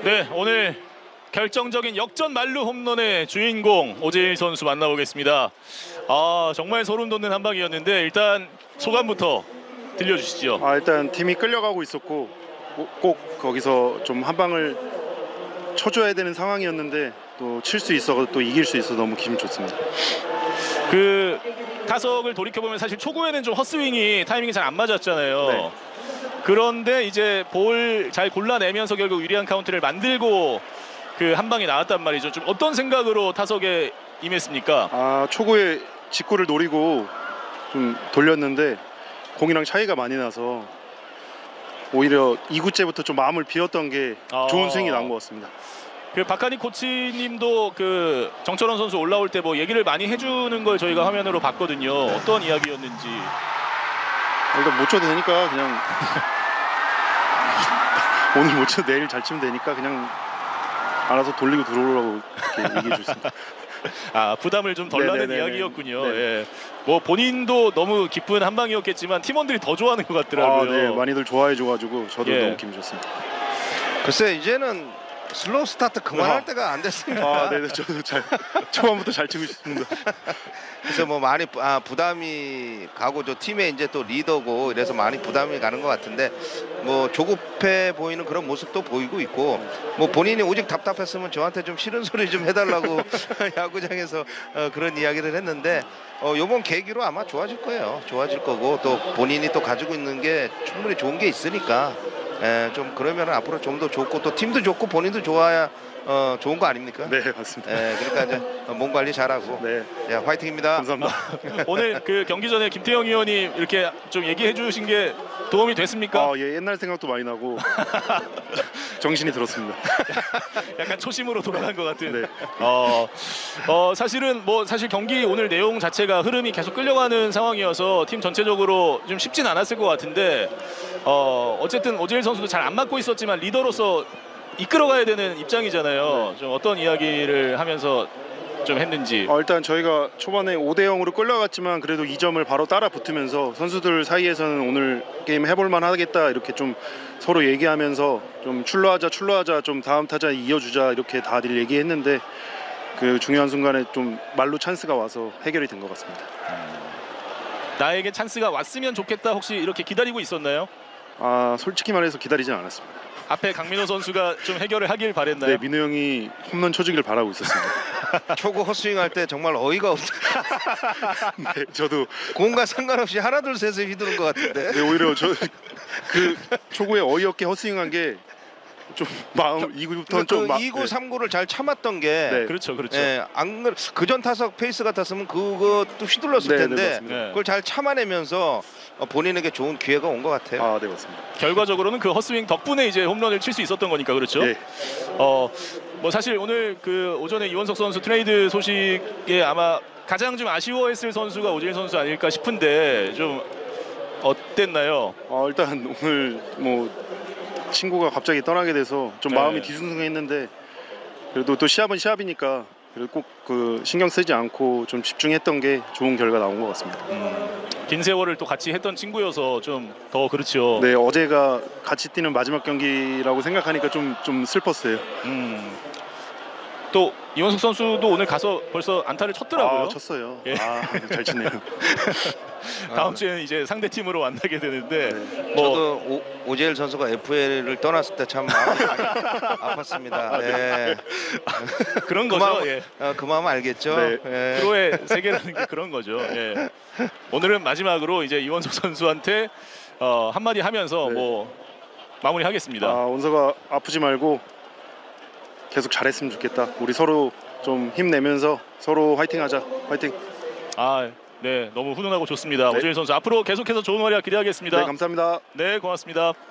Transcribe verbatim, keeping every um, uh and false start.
네, 오늘 결정적인 역전 만루 홈런의 주인공 오재일 선수 만나보겠습니다. 아, 정말 소름 돋는 한 방이었는데 일단 소감부터 들려주시죠. 아, 일단 팀이 끌려가고 있었고 꼭, 꼭 거기서 좀 한 방을 쳐줘야 되는 상황이었는데 또 칠 수 있어 또 이길 수 있어 너무 기분 좋습니다. 그 타석을 돌이켜보면 사실 초구에는 좀 헛스윙이 타이밍이 잘 안 맞았잖아요. 네. 그런데 이제 볼 잘 골라내면서 결국 유리한 카운트를 만들고 그 한 방이 나왔단 말이죠. 좀 어떤 생각으로 타석에 임했습니까? 아, 초구에 직구를 노리고 좀 돌렸는데 공이랑 차이가 많이 나서 오히려 이 구째부터 좀 마음을 비웠던 게 아. 좋은 스윙이 나온 것 같습니다. 그 박하니 코치님도 그 정철원 선수 올라올 때 뭐 얘기를 많이 해주는 걸 저희가 화면으로 봤거든요. 어떤 이야기였는지. 일단 못 쳐도 되니까 그냥 오늘 못 쳐도 내일 잘 치면 되니까 그냥 알아서 돌리고 들어오라고 이렇게 얘기해 주셨습니다. 아, 부담을 좀 덜 나는 네네네네. 이야기였군요. 네. 예. 뭐 본인도 너무 기쁜 한 방이었겠지만 팀원들이 더 좋아하는 것 같더라고요. 아, 네, 많이들 좋아해 줘가지고 저도 예. 너무 기분 좋습니다. 글쎄 이제는 슬로우 스타트 그만할 아. 때가 안 됐습니다. 아, 네, 저도 잘 초반부터 잘 치고 싶습니다. 그래서 뭐 많이 부- 아, 부담이 가고 저 팀의 이제 또 리더고 이래서 많이 부담이 가는 것 같은데 뭐 조급해 보이는 그런 모습도 보이고 있고 뭐 본인이 오직 답답했으면 저한테 좀 싫은 소리 좀 해달라고 야구장에서 어, 그런 이야기를 했는데 어, 이번 계기로 아마 좋아질 거예요. 좋아질 거고 또 본인이 또 가지고 있는 게 충분히 좋은 게 있으니까 에, 좀 그러면 앞으로 좀 더 좋고 또 팀도 좋고 본인도 좋아야 어, 좋은 거 아닙니까? 네, 맞습니다. 에, 그러니까 이제 몸 관리 잘하고 네, 야, 화이팅입니다. 감사합니다. 오늘 그 경기 전에 김태형 의원이 이렇게 좀 얘기해 주신 게 도움이 됐습니까? 아, 예, 옛날 생각도 많이 나고 정신이 들었습니다. 약간 초심으로 돌아간 것 같은. 네. 어, 어, 사실은 뭐 사실 경기 오늘 내용 자체가 흐름이 계속 끌려가는 상황이어서 팀 전체적으로 좀 쉽진 않았을 것 같은데 어, 어쨌든 오재일 선수도 잘 안 맞고 있었지만 리더로서 이끌어가야 되는 입장이잖아요. 좀 어떤 이야기를 하면서 좀 했는지. 어, 일단 저희가 초반에 오 대 영으로 끌려갔지만 그래도 이 점을 바로 따라 붙으면서 선수들 사이에서는 오늘 게임 해볼만 하겠다 이렇게 좀 서로 얘기하면서 좀 출루하자 출루하자 좀 다음 타자 이어주자 이렇게 다들 얘기했는데 그 중요한 순간에 좀 말로 찬스가 와서 해결이 된 것 같습니다. 나에게 찬스가 왔으면 좋겠다 혹시 이렇게 기다리고 있었나요? 아, 솔직히 말해서 기다리진 않았습니다. 앞에 강민호 선수가 좀 해결을 하길 바랬나요? 네, 민우 형이 홈런 쳐주길 바라고 있었습니다. 초구 헛스윙 할 때 정말 어이가 없어. 네, 저도 공과 상관없이 하나 둘 셋을 휘두른 것 같은데. 네, 오히려 저 그 초구에 어이없게 헛스윙한 게 좀 마음 이 구부터는 좀 마, 그 이 구, 삼 구를 잘 참았던 게 네. 그렇죠, 그렇죠. 예, 안 그래 그전 타석 페이스 같았으면 그것도 휘둘렀을 네, 네, 텐데 맞습니다. 네. 그걸 잘 참아내면서 어, 본인에게 좋은 기회가 온 것 같아요. 아, 네, 맞습니다. 결과적으로는 그 헛스윙 덕분에 이제 홈런을 칠 수 있었던 거니까 그렇죠. 네. 어, 뭐 사실 오늘 그 오전에 이원석 선수 트레이드 소식에 아마 가장 좀 아쉬워했을 선수가 오재일 선수 아닐까 싶은데 좀 어땠나요? 어, 일단 오늘 뭐 친구가 갑자기 떠나게 돼서 좀 네. 마음이 뒤숭숭했는데 그래도 또 시합은 시합이니까 그래도 꼭 그 신경 쓰지 않고 좀 집중했던 게 좋은 결과 나온 것 같습니다. 음, 긴 세월을 또 같이 했던 친구여서 좀 더 그렇죠. 네, 어제가 같이 뛰는 마지막 경기라고 생각하니까 좀 좀 슬펐어요. 음, 또 이원석 선수도 오늘 가서 벌써 안타를 쳤더라고요. 아, 쳤어요. 예. 아, 잘 치네요. 다음 주에는 이제 상대 팀으로 만나게 되는데 네. 뭐 저도 오, 오재일 선수가 에프에이를 떠났을 때 참 마음이 아팠습니다. 네. 그런 그 거죠. 마음, 예. 어, 그 마음 알겠죠. 네. 예. 프로의 세계라는 게 그런 거죠. 예. 오늘은 마지막으로 이제 이원석 선수한테 어, 한마디 하면서 네. 뭐 마무리하겠습니다. 아, 원서가 아프지 말고 계속 잘했으면 좋겠다. 우리 서로 좀 힘내면서 서로 화이팅하자. 화이팅. 아, 네, 너무 훈훈하고 좋습니다. 네. 오재일 선수 앞으로 계속해서 좋은 활약 기대하겠습니다. 네, 감사합니다. 네, 고맙습니다.